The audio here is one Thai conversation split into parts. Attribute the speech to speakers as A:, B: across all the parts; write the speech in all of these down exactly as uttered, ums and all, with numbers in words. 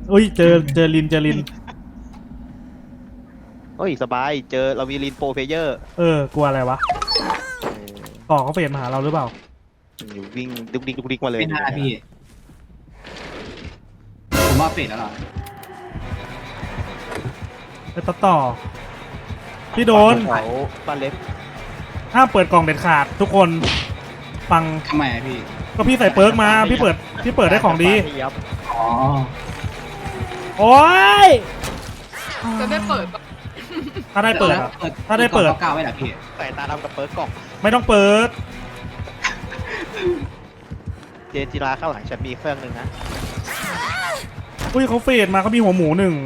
A: อุ้ยเจอเจอลินเจอลิน
B: โอ้ยสบายเจอเรามีลินโปรเพเยอร์
A: เออกลัวอะไรวะต่อเขาเฟดมาหาเราหรือเปล่า
B: อยู่วิ่งดุกดิกดุกดิกมาเลย
C: ไม่น่าพี่ผมว่าเฟดแล้วหรอ
A: ไปตัดต่อพี่โดน
B: เขาบ้านเล็ก
A: ห้ามเปิดกล่องเด็ดขาดทุกคนฟัง
C: ทำไมอะพี่
A: ก็พี่ใส่เปิร์กมาพี่เปิดพี่เปิดได้ของดี
B: ยับ
C: อ๋อ
A: โอ้ย
D: จะได้เปิดปะ
A: ถ้าได้เปิดอะ ถ้าได้เปิด
C: ก้าวไว้เหรอพี่
B: ใส่ตาดำกับเปิร์กกล่อง
A: ไม่ต้องเปิด
B: เจนจิราข้างหลังฉันมีเครื่องหนึ่งนะ
A: อุ้ยเขาเฟดมาเขามีหัวหมูหนึ่ง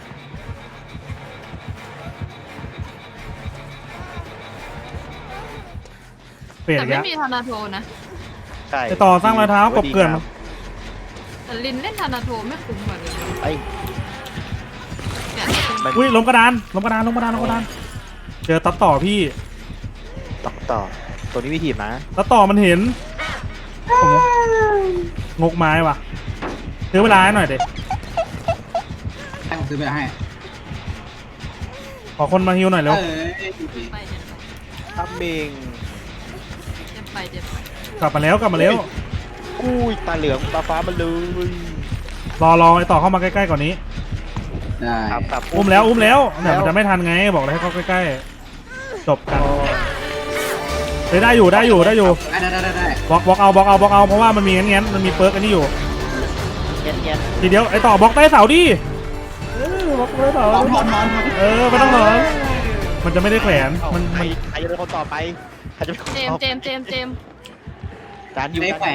A: เฟด
D: แต่
A: อีก
D: ไม่
A: แล้ว
D: มีธนาโทนะ
B: ใช่
A: ไปต่อสร้างรอยเท้ากบเกลื่อน
D: แต่ลินเล่นธนาโทไม่คุ้มเหมือนกัน
B: ไอ้
D: เนี่ย
A: อุ้ยล้มกระดานล้มกระดานล้มกระดานล้มกระดานเจอตัดต่อพี่
B: ต่อต่อตัวนี้วิธีนะ
A: ตัดต่อมันเห็นผมงกไม้ว่ะซื้อเวลาให้หน่อยเด็
C: ให้ผมซื้อไปให้
A: ขอคนมาฮิวหน่อยเร็ว
C: เอ้ย
D: ไปเจ็บ
B: ทัมมิง
D: เจ็บไปเจ็บไป
A: กลับมาแล้วกลับมาแล้ว
B: อุ้ยตาเหลืองตาฟ้ามันเลย
A: รอรอไอต่อเข้ามาใกล้ๆก่อนนี้
C: ได้
B: ครับครับ
A: อุ้มแล้วอุ้มแล้วเนี่ยมันจะไม่ทันไงบอกเลยให้เข้าใกล้ๆจบกันเฮ้ยได้อยู่ได้อยู่ได้อยู่
C: ได้ได้ได้ได้
A: บล็อกบล็อกเอาบล็อกเอาบล็อกเอาเพราะว่ามันมีงั้นงั้นมันมีเปิร์กอันนี้อยู่
B: เย็นเย็น
A: ทีเดียวไอต่อบล็อกใต้เสาดิเออบล็อกใต้เสา
C: ถอนถอนถอน
A: เออไม่ต้องหรอกมันจะไม่ได้แขวนมัน
B: ใคร
A: มัน
B: ใครจะเป็นคนต่อไปใครจะเป็นคน
D: เจม
B: ต่อ
D: ส์เจมส์เจมส์เจมส์
B: จานอยู่
C: ได้แขวน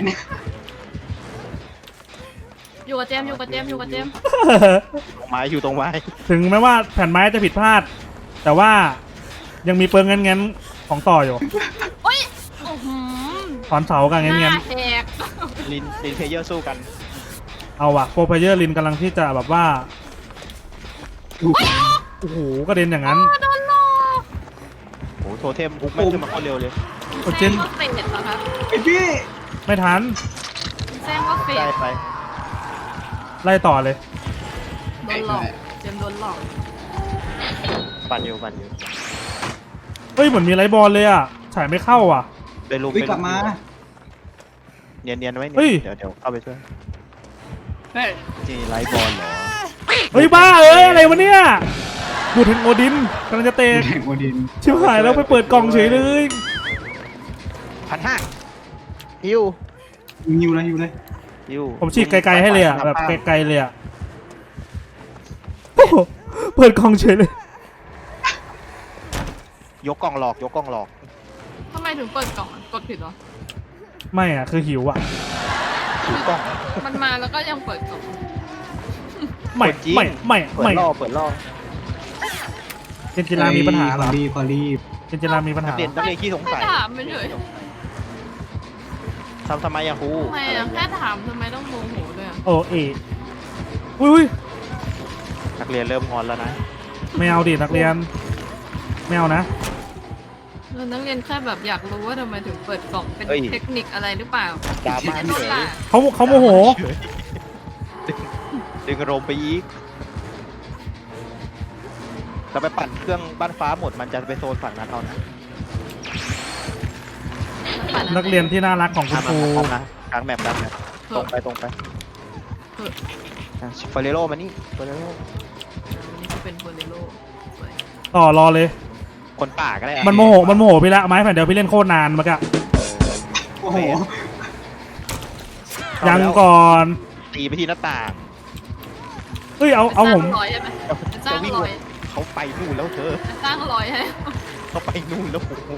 D: อยู่กับเจมส์อยู่กับเจมส์อยู่กับเจมส์
B: ตรงไม้อยู่ตรงไม้
A: ถึงแม้ว่าแผ่นไม้จะผิดพลาด แต่ว่ายังมีเปิร์กงั้นงั้นของต่ออยู่
D: โอ้ยโอ้โห
A: ถอนเสากัน
D: ห
A: งั้นงั้
D: น้าน แหก
B: ลินลินเพลเยอร์สู้กัน
A: เอาว่ะโปรเพเยอร์ลินกำลังที่จะแบบว่าโอ้โหกระเด็นอย่างนั้น
D: โดนหลอก
B: โอ้โหโทเทมพุกแม่งขึ้นมาโคตรเร็วเลย
A: โอ้เจ
D: แจ้
A: น
D: งว่าเฟดเหรอครับ
C: ไอพี่
A: ไม่ทัน
D: แจ้งว่าเฟด
B: ได้ไป
A: ไล่ต่อเลย
D: โดนหลอกเจมส์โดนหลอก
B: ปั่นอยู่ปั่นอยู่
A: เฮ้ยเหมือนมีไลท์บอลเลยอ่ะฉายไม่เข้าอ่ะ
B: ไปลุม
C: วิ่ง
B: ไป
C: กลับมา
B: เนียนเนียนไว้
A: เฮ้
B: เนี่ย
A: ย
B: เดี๋ยวเดี๋ยวเข้าไปช่วย
C: เฮ้ย
B: จีไลท์บอลเหรอ
A: เฮ้ยบ้าเอ้ยอะไรวะเนี่ยดูดเห็นโอดินกำลังจะเตะ
C: แข่งโอดิน
A: ชิบหายแล้วไปเปิดกล่องเฉยเลย
B: พันห้าฮิว
C: ยิวเลยยิวเลย
B: ฮิว
A: ผมฉีกไกลๆให้เลยอ่ะแบบไกลๆเลยอ่ะโอ้โหเปิดกล่องเฉยเลย
B: ยกกล่องหลอกยกกล่องหลอก
D: ทำไมถึงเปิดกล่องอะกดผิดเหรอ
A: ไม่อ่ะคือหิวอ่ะ
B: ถือกล่อง
D: มันมาแล้วก็ยังเปิดกล่อง
A: ไม่
B: จริง
A: ไม่ไม่
B: เปิด
A: ไม่
B: ล่อเปิดล่อ
A: เจนจิรามีปัญหาเหรอ
C: พอรีบพอรีบ
A: เจนจิรามีปัญ
B: นั
A: หาก
B: เรียนนักเรียนขี้สง
D: แค่
B: สัย
D: ถามไปเฉย
B: ทำทำไมอะครู
D: ทำไมอะแค่ถามทำไมต้องโมโหด้วยอะ
A: โอเออุ้ยอุ้ย
B: นักเรียนเริ่มงอนแล้วนะ
A: ไม่เอาดินักเรียนไม่เอานะ
D: แล้วนักเรียนแค่แบบอยากรู้ว่าทำไมถึงเปิดกล่องเป็น
B: เฮ้ย
D: เทคนิคอะไรหรือเปล่า
B: ดราม่า
D: แค่
B: เฉ
D: โดน
B: ย
D: ด่า
A: เขาเขาโมโห
B: ดึงดึงอารมณ์ไปอีกเราไปปั่นเครื่องบ้านฟ้าหมดมันจะไปโซนฝั่งนั้นเอานะ
A: นักเรียนที่น่ารักของคุณครู
B: ทำนะกลางแมปกลางแมปตรงไปตรงไปเฟเรโรมานี่เฟเรโร
D: นี่ก็เป็นโบเลโร่สวย
A: ต่อรอเลย
B: คนป่าก็ได้อะ
A: มันโมโหมันโมโหพี่ละไม้แผ่นเดียวพี่เล่นโคตรนานเมื่อกี้
C: โอ้โห
A: ยังก่อน
B: ตีไปที่หน้าต่าง
A: เฮ้ยเอาเอาผม
D: สร้างรอยใช่ไหมจะสร้าง
B: วิ่ง
D: รอย
B: เขาไปนู่นแล้วเธอ
D: จะสร้างรอยให้
B: เขาไปนู่นแล้วโอ้โห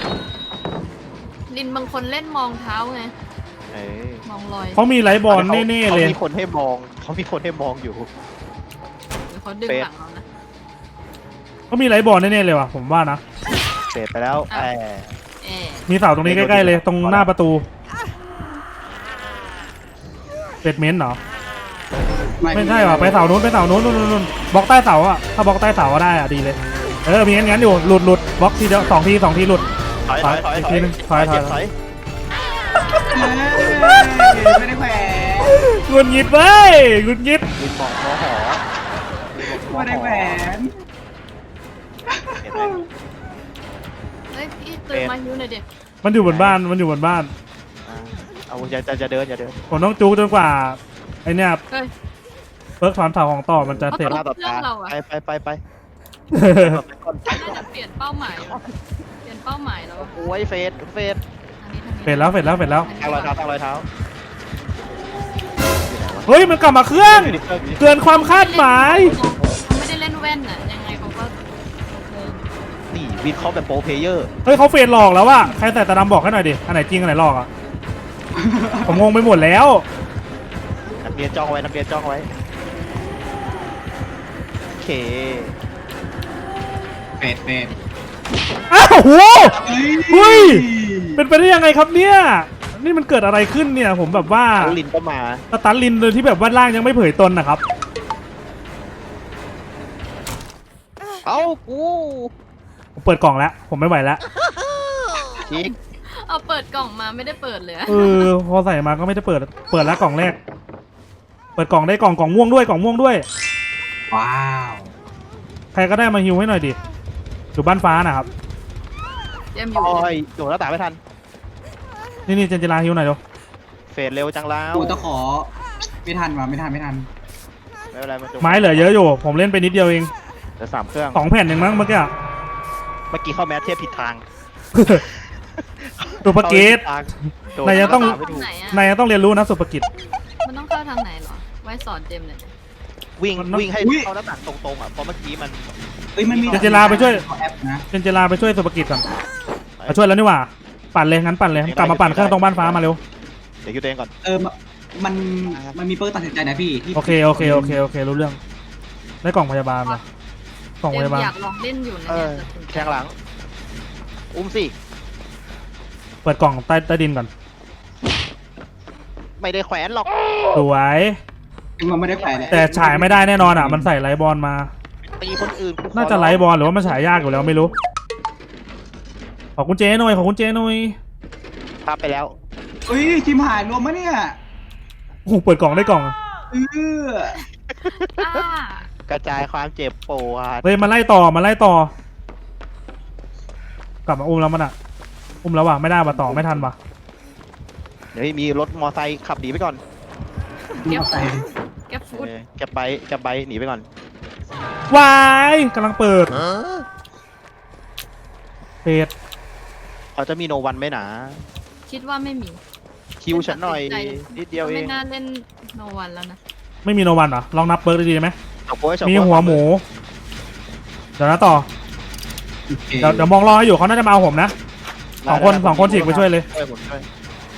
D: ลินบางคนเล่นมองเท้าไง
B: เอ้ย
D: มองรอย
A: เขามีไลท์บอลแน่ๆเลย
B: เขามีคนให้มองเขามีคนให้มองอยู่
D: หรือเขาดึงหลังเรานะ
A: เขามีไลท์บอลแน่ๆเลยว่ะผมว่านะ
B: เสร็จไปแล้ว
D: อ่ะ
B: แอบ
D: เอ๊ะ
A: มีเสาตรงนี้ใกล้ๆเลยตรงหน้าประตูเป็ดเม้นเหรอไม่ใช่ว่ะไปเสานู้นไปเสานู้นนู้นนู้นบล็อกใต้เสาอ่ะถ้าบล็อกใต้เสาก็ได้อ่ะดีเลยเออมีงั้นงั้นอยู่หลุดหลุดบล็อกทีเดียวสองทีสองทีหลุด
B: ถอยถอยถอย
A: อีกทีนึงถอยถอย
B: ถอย
C: ไม่ได้แขวน
A: หงุดหงิดเว้ยหงุดหงิด
B: ลินบอกหอหอลินบอกหอ
C: ไม่ได้แหวน
B: เห็นไหม
D: เฮ้ยพี่ตื่นมาฮิวหน่อยดิ
A: มันอยู่บนบ้านมันอยู่บนบ้าน
B: อ่าเอาอย่าจะจะเดินอย่าเดิน
A: ผมต้องจูจนกว่าไอเนี่ย
D: เฮ้ย
A: เพิร์กถอนเสาของต่อมันจะเสร็จ
B: หน้าต่อตาไปไปไปไปไปก่อน
D: น่าจะเปลี่ยนเป้าหมายว่ะเปลี่ยนเป้าหมายแล้วอะ
B: โอ้ยเฟสเฟส
D: ทางนี้ทางนี้
A: เสร็จแล้วเสร็จแล้วเสร็จแล้ว
B: ทางรอยเท้าทางรอยเท้า
A: เฮ้ยมันกลับมาเครื่อง
B: อยู่ในเครื่องอยู่ในเครื่อง
A: เกินความคาดหมาย
D: เขาไม่ได้เล่นแว่นน่ะยังไงเขาก็โอเค
B: นี่วินเขาแบบโปรเพลเยอร์
A: เฮ้ยเขาเฟดหลอกแล้วว่ะใครใส่ตาดำบอกให้หน่อยดิอันไหนจริงอันไหนหลอกอ่ะ ผมงงไปหมดแล้ว
B: นักเรียนจ้องไว้นักเรียนจ้องไว้โอเค
C: เป็ดเป็ด
A: อ้าวโห
C: เฮ้ย
A: เฮ้ย เป็นไปได้ยังไงครับเนี่ยนี่มันเกิดอะไรขึ้นเนี่ยผมแบบว่า
B: แล้วลินก็มา
A: สตันลินโดยที่แบบว่าร่างยังไม่เผยตนนะครับ
B: เอ้ากู
A: ผมเปิดกล่องแล้วผมไม่ไหวแล้ว
B: อีก
D: เอาเปิดกล่องมาไม่ได้เปิดเลยอะ
A: เออพอใส่มาก็ไม่ได้เปิดเปิดแล้วกล่องแรก เปิดกล่องได้กล่องกล่องม่วงด้วยกล่องม่วงด้วย
C: ว้าว
A: ใครก็ได้มาฮิวให้หน่อยดิอยู่บ้านฟ้านะครับ
D: เตรียมอยู่
B: โอ้
D: เลย
B: ยโดดหน้าต่างไม่ทัน
A: นี่นี่เจนจิราฮิวหน่อยเดี๋ยว
B: เฟดเร็วจังแล้ว
C: กูต้องขอไม่ทันว่ะไม่ทันไม่ทัน
B: ไม่เป็นไรมันจบ
A: ไม้เหลือเยอะอยู่ ผมเล่นไปนิดเดียวเอง
B: เหลือสามเครื่อง
A: สองแผ่นเองมั้งเมื่อกี้อะ
B: เมื่อกี้เข้าแมสเทียบผิดทาง
A: สุภกิจ
B: โดด
A: นายยังต้อง
B: ห
D: เข้า
B: น้าต่าไม่ถูก
D: ทางไหนอะ
A: นายยังต้องเรียนรู้นะสุภกิจ
D: มันต้องเข้าทางไหนเหรอไว้สอนเจมเลย
B: วิ่ง
A: มันต้อง
B: วิ่งให้เข้าหน้าต่างตรงๆอ่ะเพราะเมื่อกี้มัน
C: เอ้ยมันมี
A: เจนจิราไปช่วย
C: ขอแอปนะ
A: เจนจิราไปช่วยสุภกิจก่อนมาช่วยแล้วนี่หว่า ปั่นเลยงั้นปั่นเลยกลับมาปั่นเครื่องตรงบ้านฟ้ามาเร็ว
B: เดี๋ยวคิวตัวเองก่อน
C: เออมันมันมีเปิร์ตัดสินใจนะพี่ที่
A: โอเคโอเคโอเคโอเครู้เรื่อง ได้กล่องพยาบาลนะกล่อง
D: เจ
A: พ
D: ม
A: ยาบาล
D: อยากลองเล่นอยู่นะ
B: เอ
D: เนี่ย
B: อ
D: ตัดสินใจ
B: แทงหลัง อุ้มสิ
A: เปิดกล่องใต้ใต้ดินก่อน
B: ไม่ได้แขวนหรอก
A: สวย
C: มันไม่ได้แขวนเลย
A: แต่ฉายไม่ได้แน่นอนอ่ะ มันใส่ไลท์บอลมา
B: ตีคนอื่นกูขอ
A: น่าจะไลท์บอลหรือว่ามันฉายยากอยู่แล้วไม่รู้ ขอคุณเจหน่อยขอคุณเจหน่อย
B: ภาพไปแล้ว
C: เอ้ยทีมหายรวมมะเนี่ย
A: โอ้โหเปิดกล่องได้กล่อง
C: เออ
D: อ่าก
B: ระจายความเจ็บปวด
A: เฮ้ยมาไล่ต่อมาไล่ต่อ กลับมาอุ้มแล้วมันอ่ะ อุ้มแล้วว่ะไม่ได้ว่ะต่อไม่ทันว่ะ
B: เดี๋ยวมีรถมอไซค์ขับหนีไปก่อน
C: เก็บใส่
D: แก็ฟูด
B: เออแกบไปแกบไปหนีไปก่อน
A: วายกำลังเปิดเปิด
B: เขาจะมีโนวันไหมหนา
D: คิดว่าไม่มี
B: คิวฉันหน่อยนิดเดียวเอ
D: ไม่
B: ง
D: น่าเล่นโนวันแล้วนะ
A: ไม่มีโนวันเหรอลองนับเปิร์กดีๆไหม
B: เฉาก๊วยเฉาก๊
A: มี
B: วย
A: หัวหมู เดี๋ยวนะต่อ
C: โอเค
A: เดี๋ยวเดี๋ยวมองรออยู่เขาน่าจะมาเอาผมนะ สองคนสองคนฉีกไปช่วยเลย
B: ช่วยผมช่วย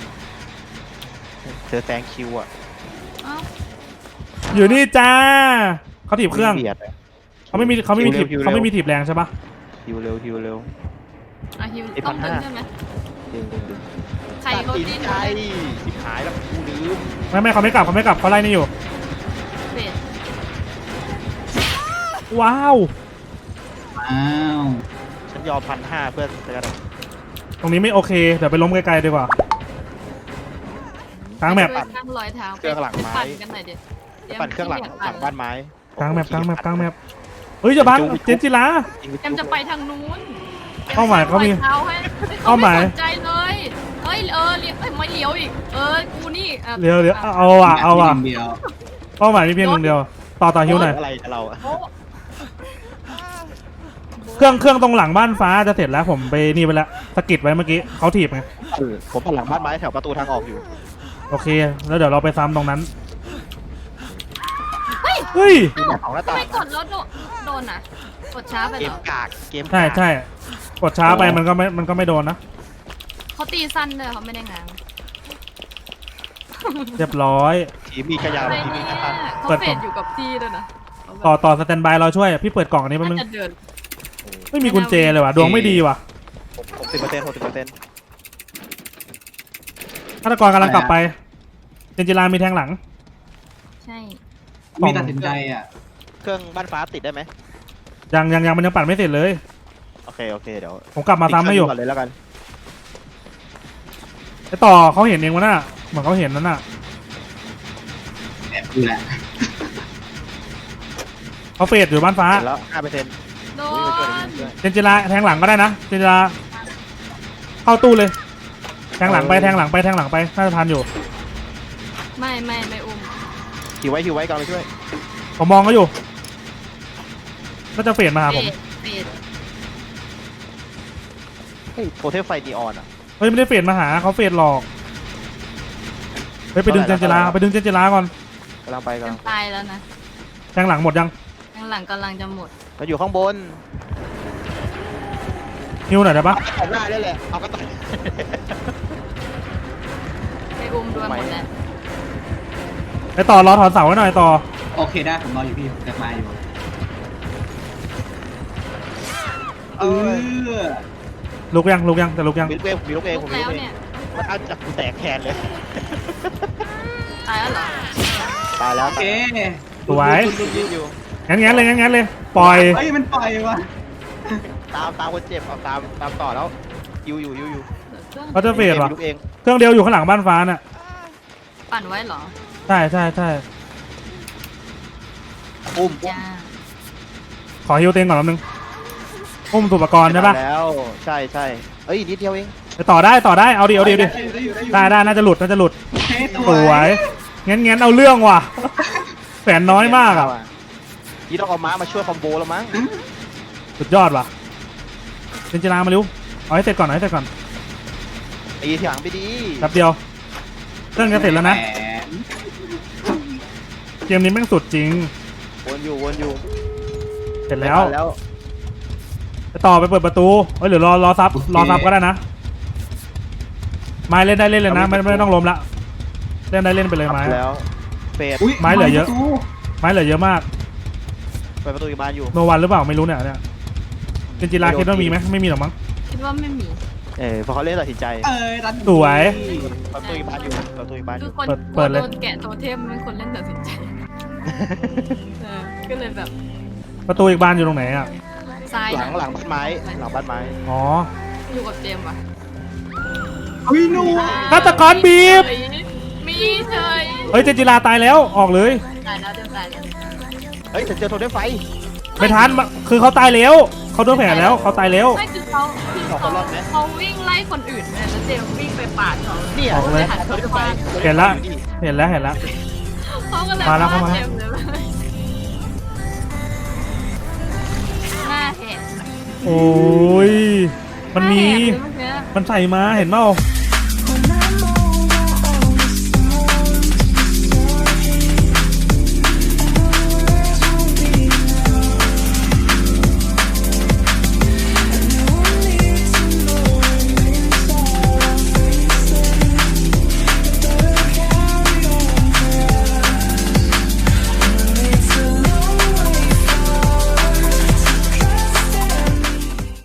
B: เธอแซงคิวอ่ะ
D: เอ้า
A: อยู่นี่จ้าเขาถีบเครื่อง
B: บียดะ
A: เขาไม่มีเขาไม่มีถีบ
B: คิวร็ว
A: เขาไม่มีถีบแรงใช่ปะ
B: คิวเร็วคิวเร็ว
D: อ่ะฮิว
B: ไอ้
D: ต้อง
B: พั
D: ดึ
B: น
D: ง
B: ห้า
D: ใช่ไหม
B: ดึงดึงดึง
D: ใครเขา
B: ตัดสิน
D: ดิ้น
B: ใจสิบหายแล้วกูลืม
A: ไม่ไม่เขาไม่กลับเขาไม่กลับเขาไล่นี่อยู่
D: เฟด
A: ว้าว
C: อ้าว
B: ฉันยอมพันห้าเพื่อจะกัน
A: ตรงนี้ไม่โอเคเดี๋ยวไปล้มไกลๆดีกว่า กลางแมป
D: ช่วยข้างรอยเท้า
B: เครื่องหลังไม้
D: ปั่นกันหน่อยดิตยม
B: ปั่นเครื่องหลัง
D: ที่
B: หลังบ้านไม้
A: กลางแมปกลางแมปกลางแมปเฮ้ยจะบังเจนจิรา
D: เจมจะไปทางนู้น
A: เป้าหมายเขามี
D: รอท้ให้ฮ้
A: เป้าหมาย
D: ขไสนใจเลยเฮ้ยเออเลี้ยวเอ้ยไม่เลี้ยวอีกเออกูนี่อ่ะ
A: เดี๋ยวเดี๋ยวเอาอ่ะเอาอ่ะ
C: เดียว
A: เป้าหมายมีเพียงหนึ่งเดียว ต่อต่อฮิวหน่อย
B: อะไรกับเราอะ
D: โอ้
A: เครื่องเครื่องตรงหลังบ้านฟ้าจะเสร็จแล้วผมไปนี่ไปแล้วสะกิดไว้เมื่อกี้เขาถีบไง
B: เออผมปั่นหลังบ้านไม้แถวประตูทางออกอยู่
A: โอเค แล้วเดี๋ยวเราไปซ้ำตรงนั้นเฮ้ย
B: มีแบบของหน้า
D: ทำ
B: ต่าง
D: ไมกดแล้วโดนโดนอ่ะกดช้าไป
B: เก
D: เหร
B: ม
D: อก
B: ากเกมกาก
A: ใช่ใช่กดช้าไปมันก็ไม่มันก็ไม่โดนนะ
D: เขาตีสั้นเลยเขาไม่ได้ง้าง
A: เรียบร้อย
B: ทีมมีขยะ
D: อะไร
B: ทีมมี
D: เนี่ย
B: กระทัน
D: เขา
A: เปิด
D: เฟ
A: ก่
D: ด
A: อน
D: อยู่กับที่ด้วยนะ
A: ต่อต่อสแตนบายเราช่วยพี่เปิดกล่องอันนี้แป๊บนึ
D: น่าง จะเดิน
A: ไม่มีกุญแจเลยว่ะดวงไม่ดีว่ะ
B: หกสิบเปอร์เซ็นต์หกสิบเปอร์เซ็นต์
A: ฆาตกรกำลังกลับไปเจนจิรามีแทงหลัง
D: ใช่
C: มีตัดสินใจอ่ะ
B: เครื่องบ้านฟ้าติดได้ไหม
A: ยังยังยังมันยังปั่นไม่เสร็จเลย
B: โอเคโอเคเดี๋ยว
A: ผมกลับมาซ้ำให้อยู่
B: ก่อนเลยแล้วกัน
A: ไอต่อเขาเห็นเองวะน่ะเหมือนเขาเห็นนั่นน่ะ
C: นี่แหละ
A: เขาเฟดอยู่บ้านฟ้า
B: เสร็จแล้วห้าเปอร์เซ็นต์
D: โด
B: อุ้ยไปช่วย
D: น
B: ไปช่วย
A: เจนจิราแทงหลังก็ได้นะเจนจิราเข้าตู้เลย แทงหลังไปแทงหลังไปแทงหลังไปน่าจะทันอยู่
D: ไม่ไม่ไม่อุ้ม
B: หิวไว้หิวไว้กำลังไปช่วย
A: ผมมองเขาอยู่ก็จะเฟดมาหาผม
D: เฟดเฟด
B: เฮ้ยโทเทมไฟนีออนอ่ะ
A: เฮ้ยไม่ได้เฟดมาหาเขาเฟดหลอกเฮ้ยไปดึงเจนจิราไปดึงเจนจิราก่อน
B: กำลังไปกำ
D: จะ
B: ลัง
D: ตายแล้วนะ
A: แทงหลังหมดยัง
D: ข้างหลังกำลังจะหมด
B: เราอยู่ข้างบน
A: ฮิวหน่อยได้ปะ
B: เอาได้ได้แหละเอาก็ต่อย
D: ไปอุ้มด้วยหมดแล้ว
A: ไปต่อรอถอนเสาไว้หน่อยต่อ
C: โอเคได้ผมรออยู่พี่จะมาอยู่เออ
A: ลุกยังลุกยังแต่ลุกยัง
B: มีลูกเองมีลูกเอง
D: ลุ
B: ผ
D: ก
B: มมี
D: แล้
B: ลู
D: ว
B: กเอง
D: เนี่ย
B: มันเอาจากกูแตกแทนเลย
D: ตายแล้วเหรอ
B: ตายแล้ว
C: โอเค
A: สวย
B: ยืนอยู่
A: งั้นงั้นเลยงั้นงั้นเลยปล่อย
C: เฮ้ยมันปล่อยว่ะ
B: ตามตามคนเจ็บเอาตามตามต่อแล้วยูอยู่ยูอยู่
A: เขาจะเฟด
B: มี
A: ว่ะ
B: ลูกเอง
A: เครื่องเดียวอยู่ข้างหลังบ้านฟ้าน่ะ
D: ปั่นไว้เหรอ
A: ใช่ใช่ใช่
B: อุ้ม
D: จ้า
A: ขอฮิวเต็งก่อนแป๊บนึงอุ้มสุปกรณ์ใช่ปะ
B: แล้วใช่ใช่เอ้ยนิดเดียวเอง
A: ไปต่อได้ต่อได้เอาดิเอาดิเอาดิ
C: ได้อยู่ได้อยู่
A: ได้ได้น่าจะหลุดน่าจะหลุด
C: โอเคส
A: ส
C: ว
A: วย ยงั้นงั้นเอาเรื่องว่ะแสนน้อยมากอ่ะ
B: นี่ต้องเอาม้ามาช่วยคอมโบแล้วมั้ง
A: สุดยอดว่ะเจนจิรามาเร็วเอาให้เสร็จก่อนเอาให้เสร็จก่อน
B: ตีทีหลังไปดี
A: แป๊บเดียวเครื่องจะเสร็จแล้วนะ
C: แหม
A: เกมนี้แม่งสุดจริง
B: วนอยู่วนอยู่
A: เสร็จแล้ว
B: ไม่ทันแล้ว
A: ไปต่อไปเปิดประตูเอ้ยหรือรอรอซับรอซับก็ได้นะไม้เล่นได้เล่นเลยนะไม่ไม่ต้องล้มละเล่นได้เล่นไปเลยไม้
B: แล้วเฟด
C: อุ๊ย
A: ไม้เหลือเยอะ
C: ประตู
A: ไม้เหลือเยอะมาก
B: เปิดประตูอีกบานอยู่
A: โนวันหรือเปล่าไม่รู้เนี่ยเนี่ยเจนจิราคิดว่ามีไหมไม่มีหรอกมั้ง
D: คิดว่าไม่มี
B: เออพอเขาเล่นตัดสินใจ
C: เอ้ยตัน
A: สวย
B: เปิดประตูอีกบานอยู่เปิดประตูอีกบานอ
D: คื
B: ยู่
D: อคน
A: เปิดเปิดเลย
D: โดนแกะโทเทมเป็นคนเล่นตัดสินใจเออก็เลยแบบ
A: ประตูอีกบานอยู่ตรงไหนอ่ะ
D: ซ้าย
B: หลังหลังบ้านไม้หลังบ้านไม้
A: อ๋อ
D: อยู่กับเจมส์ว่ะ
C: อุ้ยหนู
A: ฆาตกรบีบ
D: เฮ้ยมีเฉย
A: เฮ้ยเจนจิราตายแล้วออกเลย
D: ตายแล้วเดี๋ยวตายแล้ว
B: เฮ้ยฉันเจอโทรได้ไฟ
A: ไม่ทันมาคือเขาตายแล้วเขาโดนแผลแล้วเขาตายแล้ว
D: ไม่คือเขาคือเขาเขาวิ่งไล่คนอื่นเนี่ยแล้วเจมส์วิ่งไปปาดเขา
B: เนี่ย
A: ออกเลย
B: โทรได้ไฟ
A: เห็นละเห็นแล้วเห็นแล้ว
D: เขาก็เลย
A: มาแล้วเข้ามา
D: เจมส์เลยหน้าแหก
A: โอ้ยมันมี
D: หน้าแหกเลยเมื่อกี้
A: มันใส่มาเห็นเปล่า
D: เ